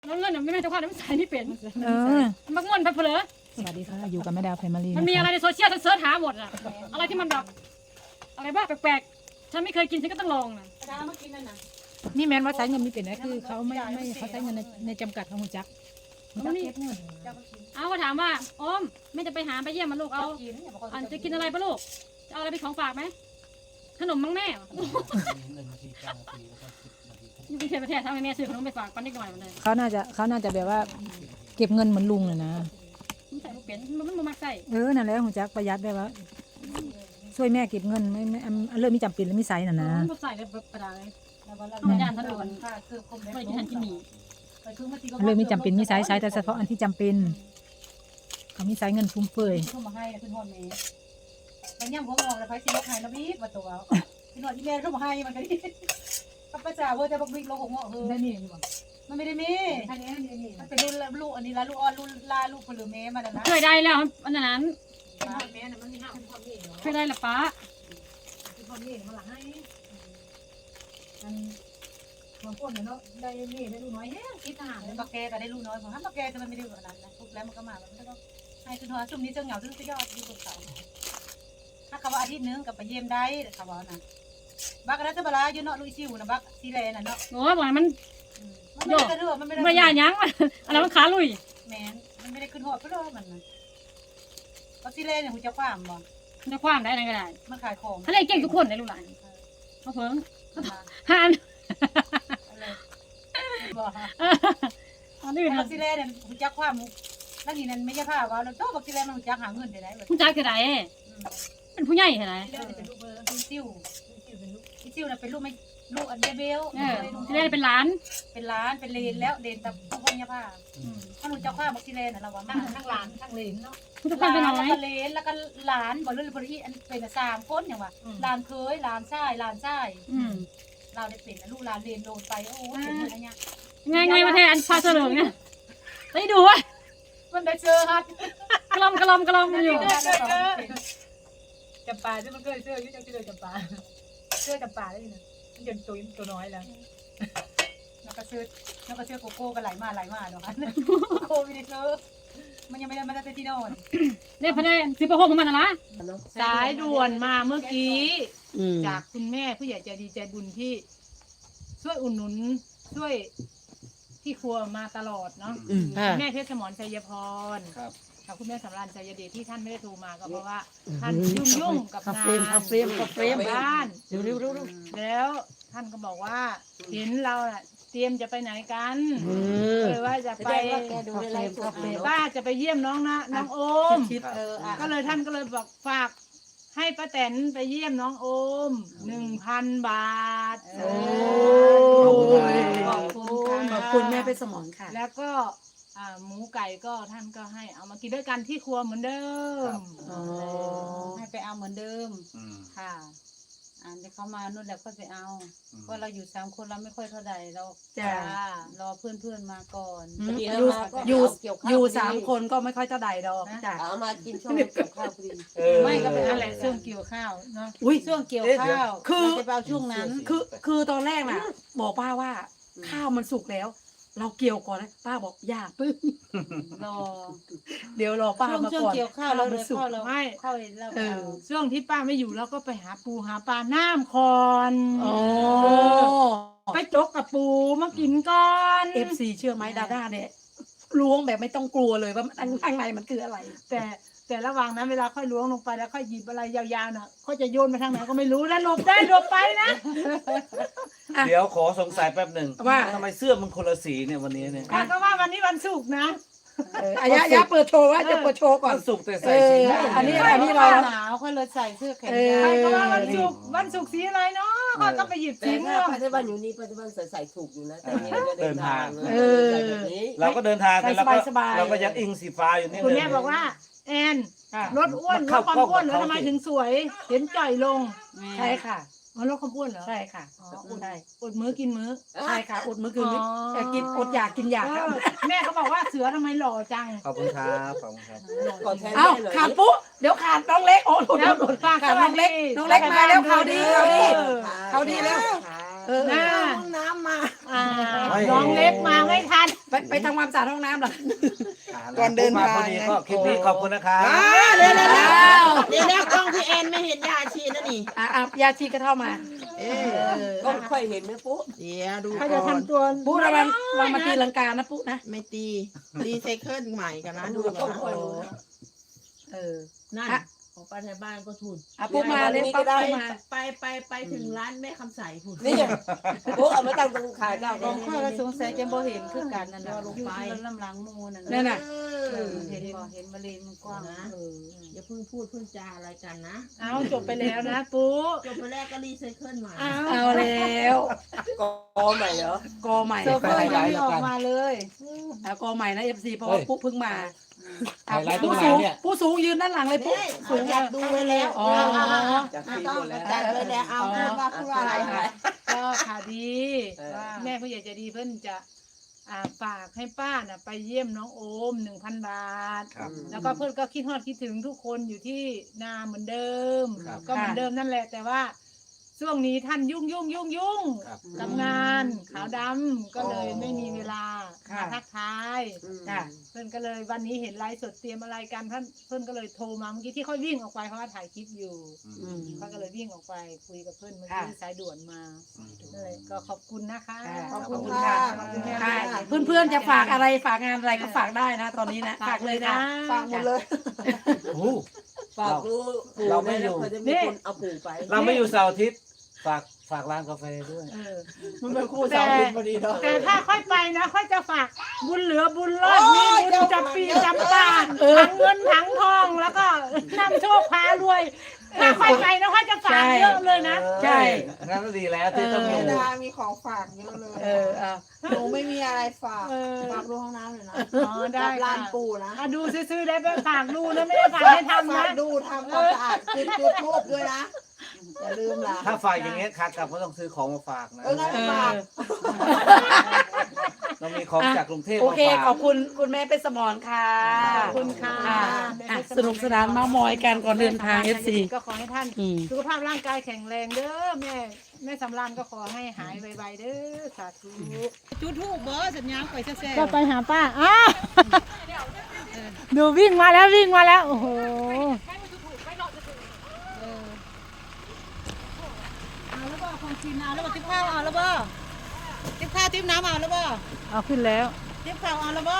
แล้วเงินไม่แม่เจ้าข้าไม่ใส่นี่เป็นมันง่วนไปเพลอสวัสดีค่ะอยู่กับแม่ดาวแฟมิลี่มันมีอะไรในโซเชียลฉันเสิร์ชหาหมดอะอะไรที่มันแบบอะไรบ้าแปลกๆฉันไม่เคยกินฉันก็ต้องลองนะนี่แม้นว่าใช้เงินมีเป็นนะคือเขาไม่เขาใช้เงินในจำกัดของหัวจักเอาถามว่าโอมไม่จะไปหาไปเยี่ยมมันลูกเอาอันจะกินอะไรปะลูกจะเอาอะไรเป็นของฝากไหมขนมมั้งแม่อยู่กรุงเทพประเทศทำให้แม่ซื้อขนมไปฝากปันนิดหน่อยมันเลยเขาน่าจะแบบว่าเก็บเงินเหมือนลุงเลยนะมันใส่เปลี่ยนมันมักใส่นั่นแหละหัวจักประหยัดได้ว่าช่วยแม่เก็บเงินไม่เริ่มมีจำเป็นแล้วมีไซส์น่ะนะมันใส่เลยประดาเลยมันย่านถนนไม่กินทันกินหนีเริ่มมีจำเป็นมีไซส์แต่เฉพาะอันที่จำเป็นเขามีไซส์เงินฟุ่มเฟือยขึ้นมาให้ขึ้นหอดเมย์มันย่ำหัวงอกแล้วไปสิลูกไห้แล้วบีบมาตัวขึ้นหอดที่แม่ขึ้นมาให้มันก็ดีข้าพเจ้าว่าจะบักบิ๊กโลหัวงอกได้นี่มันไม่ได้มีมันเป็นรุ่นลูกอันนี้ละลูกอ่อนรุ่นลาลูกผลือเมย์มาแล้วนะเคยได้แล้วอันนั้นเคยได้ละป้าบางคนเนาะได้นี่ได้ลูกน้อยแฮะคิดทหารบักแกก็ได้ลูกน้อยผมถ้าบักแกจะมันไม่ได้ขนาดนั้นทุกแล้วมันก็มามันก็ต้องให้ขึ้นหอดซุ่มนี้เจ้าเหงาซึ่งจะยอดที่บนเสาถ้าเขาว่าอาทิตย์นึงกับไปเยี่ยมได้เขาว่านะบักนั้นจะบลาอยู่เนาะลุยซิวนะบักซีเลน่ะเนาะโอ้ยบอกมันโยกมันไม่ได้ไม่ยากยั้งอะไรมันขาลุยแมนมันไม่ได้ขึ้นหอดเพื่อมันบักซีเลเนี่ยคุณจะคว้ามบ่จะคว้ามได้ไหนก็ได้มันขายของอะไรเก่งทุกคนในลูกหลานเขาเพิ่งหานอันนี้บักซีเลเนี่ยคุณจะคว้ามแล้วนี่นั่นไม่ใช่ผ้าว่าแล้วโตบักซีเลมันคุณจะหาเงินได้ไหมคุณจ่ายคือไรเป็นผู้ใหญ่เหรอเป็นลูกซิวน่ะเป็นลูกไม่ลูกอันเบลที่แรกเป็นร้านเป็นเลนแล้วเลนแต่พวกพญาผ้าถ้าหนูจะคว้าบักซีเลน่ะเราว่าทั้งหลานทั้งเลนเนาะหลานแล้วก็เลนแล้วก็หลานบอกเลยบริอันเป็น3คนอย่างว่าหลานเคยหลานชายเราได้เป็นลูกหลานเลนโดนไปโอ้ยเป็นอะไรเนี่ยไงมาแทนพาเสลิงเนี่ยได้ดูวะมันได้เจอฮัทกลมอยู่จำปาที่มันเคยเสื้อที่จะจำปาเสื้อจำปาได้นะมันจะตัวน้อยแล้วแล้วก็เสื้อโกโก้กันไหลมาเนาะโควิดเจอมันยังไม่ได้มาได้ที่โน่นเนี่ยพนักซื้อประโคของมันนะสายด่วนมาเมื่อกี้จากคุณแม่ผู้ใหญ่ใจดีใจบุญที่ช่วยอุดหนุนช่วยที่ครัวมาตลอดเนาะแม่เพชรสมรชัยพรกับคุณแม่สำราญใจเดชที่ท่านไม่ได้โทรมาก็เพราะว่าท่านยุ่งกับงานเฟรมบ้านแล้วท่านก็บอกว่าเห็นเราเตรียมจะไปไหนกันเลยว่าจะไปว่าจะไปเยี่ยมน้องโอมก็เลยท่านก็เลยบอกฝากให้ป้าแตนไปเยี่ยมน้องโอม 1,000 บาทขอบคุณแม่เพชรสมรค่ะแล้วก็หมูไก่ก็ท่านก็ให้เอามากินด้วยกันที่ครัวเหมือนเดิมให้ไปเอาเหมือนเดิมค่ะเดี๋ยวเขามานู่นแล้วก็ไปเอาเพราะเราอยู่3คนเราไม่ค่อยเท่าใดเรารอเพื่อนมาก่อนอยู่3คนก็ไม่ค่อยเท่าใดดอกจ้ะเอามากินช่วงเกี่ยวข้าวพอดีไม่ก็เป็นอะไรช่วงเกี่ยวข้าวเนาะช่วงเกี่ยวข้าวจะเอาช่วงนั้นคือตอนแรกน่ะบอกป้าว่าข้าวมันสุกแล้วเราเกี่ยวก่อนนะป้าบอกอย่าปึ้งเดี๋ยวรอป้ามาก่อนเกี่ยวข้าวเราเลยข้าวเราไม่ข้าวเราช่วงที่ป้าไม่อยู่เราก็ไปหาปูหาปลาน้ำคอนไปจกกับปูมากินก่อน FC เชื่อไหมดาด้าเนี่ยล้วงแบบไม่ต้องกลัวเลยว่าข้างในมันคืออะไรแต่ระหว่างนั้นเวลาค่อยล้วงลงไปแล้วค่อยหยิบอะไรยาวๆน่ะเขาจะโยนไปทางไหนก็ไม่รู้แล้วหลบไปนะเดี๋ยวขอสงสัยแป๊บหนึ่งว่าทำไมเสื้อมันคนละสีเนี่ยวันนี้เนี่ยก็ว่าวันนี้วันศุกร์นะอย่าเปิดโชว์ว่าจะเปิดโชว์ก่อนวันศุกร์แต่ใส่สีอันนี้เราหนาวค่อยเลยใส่เสื้อแขนยาวก็ว่าวันศุกร์สีอะไรเนาะเขาต้องไปหยิบสีม่วงปัจจุบันอยู่นี่ปัจจุบันใส่ถูกอยู่นะแต่นี่เราเดินทางเราก็เดินทางแต่เราก็ยังอิงสีฟ้าอยู่นี่คุณแม่บอกว่าแอนลดอ้วนลดความอ้วนแล้วทำไมถึงสวยเห็นจ่อยลงใช่ค่ะลดความอ้วนเหรอใช่ค่ะอดมื้อกินมื้อใช่ค่ะอดมื้อกินมื้อแต่กินอดอยากกินอยากแม่เขาบอกว่าเสือทำไมหล่อจังขอบคุณครับขาดปุ๊เดี๋ยวขาดน้องเล็กโอ้โหขาดน้องเล็กมาแล้วเขาดีแล้วน่าห้องน้ำมาน้องเล็กมาไม่ทันไปทำความสะอาดห้องน้ำเหรอก่อนเดินทางพอดีก็คลิปนี้ขอบคุณนะครับเดี๋ยวกล้องพี่แอนไม่เห็นยาชีนะนี่ยาชีก็เข้ามาก็ค่อยเห็นไหมปุ๊เดี๋ยวดูเขาก่จะอนทำตัวปุ๊ระวังมาตีลังกานะปุ๊นะไม่ตีรีไซเคิลใหม่กันนะดูก่อน นั่นออกไปในบ้านก็ทุนปุ๊มาเลยปุ๊มาไปถึงร้านแม่คำใสทุนนี่ปุ๊เอามาตั้งตรงขายเจ้าลองค่อยว่าสงสัยจะบ่เห็นคือกันนั่นน่ะอยู่ลำหลังมูนั่นนั่นน่ะเห็นบ่เห็นมะเร็งมันกว้างนะอย่าเพิ่งพูดเพิ่งจาอะไรกันนะเอาจบไปแล้วนะปุ๊จบไปแรกก็รีไซเคิลใหม่เอาแล้วกอใหม่เหรอกอใหม่โซเฟอร์ยังไม่ออกมาเลยกอใหม่นะ FC เพราะว่าปุ๊เพิ่งมาไฮไลท์ตรงผู้ไหนสูงเนี่ยผู้สูงยืนด้านหลังเลยปุ๊สูงอยากดูไว้แล้วอ๋อจากที่ต้องหมดแล้วจัดไว้แล้วเอาพูดว่าอะไรคะก็ข่าวดีแม่ผู้ใหญ่ใจดีเพิ่นจะฝากให้ป้าน่ะไปเยี่ยมน้องโอม 1,000 บาทครับแล้วก็เพื่อนก็คิดฮอดคิดถึงทุกคนอยู่ที่นาเหมือนเดิมครับก็เหมือนเดิมนั่นแหละ แต่ว่าช่วงนี้ท่านยุ่งครับกับงานขาวดำก็เลยไม่มีเวลามาทักทายค่ะเพื่อนก็เลยวันนี้เห็นไลฟ์สดเตรียมอะไรกันเพื่อนก็เลยโทรมาเมื่อกี้ที่เขาวิ่งออกไปเพราะว่าถ่ายคลิปอยู่เขาก็เลยวิ่งออกไปคุยกับเพื่อนเมื่อกี้สายด่วนมานั่นแหละก็ขอบคุณนะคะขอบคุณค่ะขอบคุณแม่ค่ะค่ะเพื่อนๆจะฝากอะไรฝากงานอะไรก็ฝากได้นะ ตอนนี้นะฝากเลยนะฟังหมดเลยโอ้ฝากดูปู่เราไม่อยู่เคยจะมีคนเอาปู่ไปเราไม่อยู่เสาร์อาทิตย์ฝากร้านกาแฟด้วยมันเป็นคู่สาวบุญพอดีเนาะแต่ถ้าค่อยไปนะค่อยจะฝากบุญเหลือบุญรอดมีบุญจำปีจำปาทั้งเงินทั้งทองแล้วก็นำโชคพารวยถ้าค่อยไปนะค่อยจะฝากเยอะเลยนะใช่งั้นก็ดีแล้วที่ต้องอยู่ดามีของฝากเยอะเลยเอาหนูไม่มีอะไรฝากเออฝากดูห้องน้ำเลยนะอ๋อได้กับร้านค่ะปูนะดูซื้อๆได้ไปฝากดูนะไม่ได้ฝากให้ทำฝานะกดูทำความสะอาดจุดทูบด้วยนะ อย่าลืมล่ะถ้าฝากอย่างเงี้ยขากลับก็ต้องซื้อของมาฝากนะงั้นฝากต้องมีของจากกรุงเทพโอมาเคฝากขอบคุณคุณแม่เป็นสมรค่ะขอบคุณค่ะสนุกสนานเมามอยกันก่อนเดินทาง FC ก็ขอให้ท่าน สุขภาพร่างกายแข็งแรงเด้อแม่สำรานก็ขอให้หายไวๆเด้อสาธุจุดทูบเบอร์สัญญาณไปแซ่ก็ไปหาป้าอ้าวดูวิ่งมาแล้วโอ้โหเอาแล้วบ่ของกินเอาแล้วบ่ติ๊บข้าวเอาแล้วบ่ติ๊บข้าวติ๊บน้ำเอาแล้วบ่เอาขึ้นแล้วติ๊บข้าวเอาแล้วบ่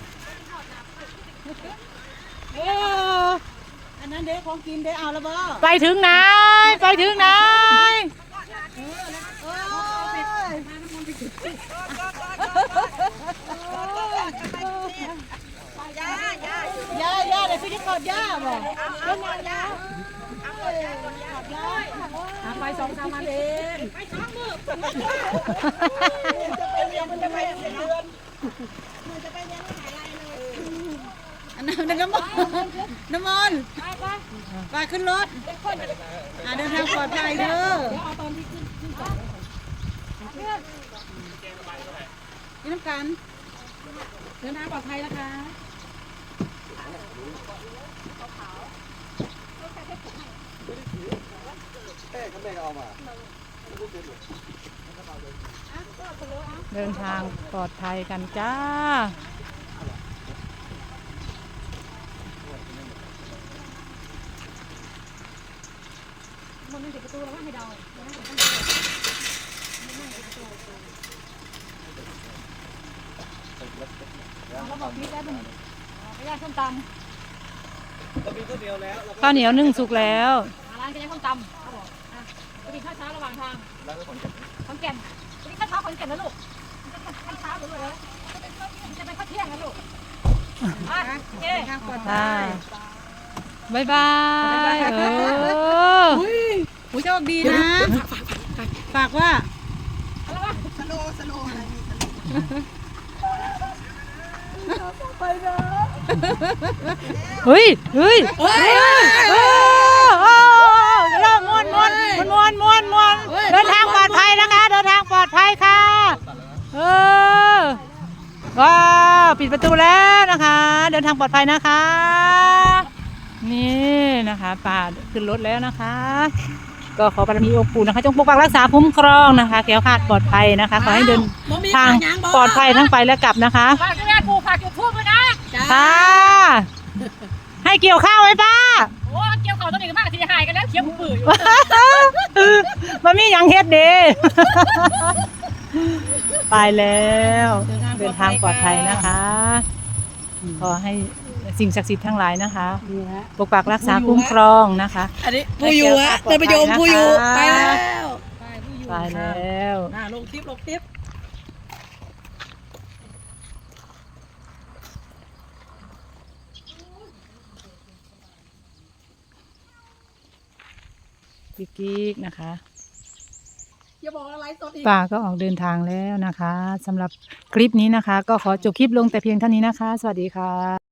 อันนั้นเด้ของกินเด้เอาแล้วบ่ไปถึงไหนไปถึงไหนย่าเดี๋ยวพี่จะกอดย่าบ่ก็นอนย่าไปสองสามวันเองอันนั้นน้ำมันไปขึ้นรถเดินทางปลอดภัยเด้อนี่น้ำกันเดินทางปลอดภัยนะคะเดินทางปลอดภัยกันจ้าข้าวเหนียวนึ่งสุกแล้วร้านก็ยังส้มตำเขาบอกไปกินข้าวเช้าระหว่างทางขอนแก่นไปกินข้าวเช้าขอนแก่นนะลูกข้าวเช้าหรืออะไรจะเป็นข้าวเที่ยงนะลูกโอเคบายบายโชคดีนะฝากว่าเฮ้ยม้วนเดินทางปลอดภัยนะคะเดินทางปลอดภัยค่ะว้าวปิดประตูแล้วนะคะ เดินทางปลอดภัยนะคะนี่นะคะป่าขึ้นรถแล้วนะคะก็ขอบารมีองค์ปู่นะคะจงปกปักรักษาคุ้มครองนะคะแคล้วคลาดปลอดภัยนะคะขอให้เดินทางปลอดภัยทั้งไปและกลับนะคะฝากดูแลปู่ฝากจุดทูบด้วยนะค่ะให้เกี่ยวข้าวไหมป้าโอ้เกี่ยวเขาตัวนี้กันมากทีหายกันแล้วเขียวปื้ออยู่มันมีอย่างเฮ็ดเด้ ไปแล้วเดินทางปลอดภัยนะคะขอให้สิ่งศักดิ์สิทธิ์ทั้งหลายนะคะปกปักรักษาคุ้มครองนะคะอันนี้ผู้อยู่ฮะท่านผู้ชมผู้อยู่ไปแล้วไปแล้วลงคลิปลงคลิปพี่กิ๊กนะคะอย่าบอกอะไรสดอีกป้าก็ออกเดินทางแล้วนะคะสำหรับคลิปนี้นะคะ ก็ขอจบคลิปลงแต่เพียงเท่านี้นะคะ สวัสดีค่ะ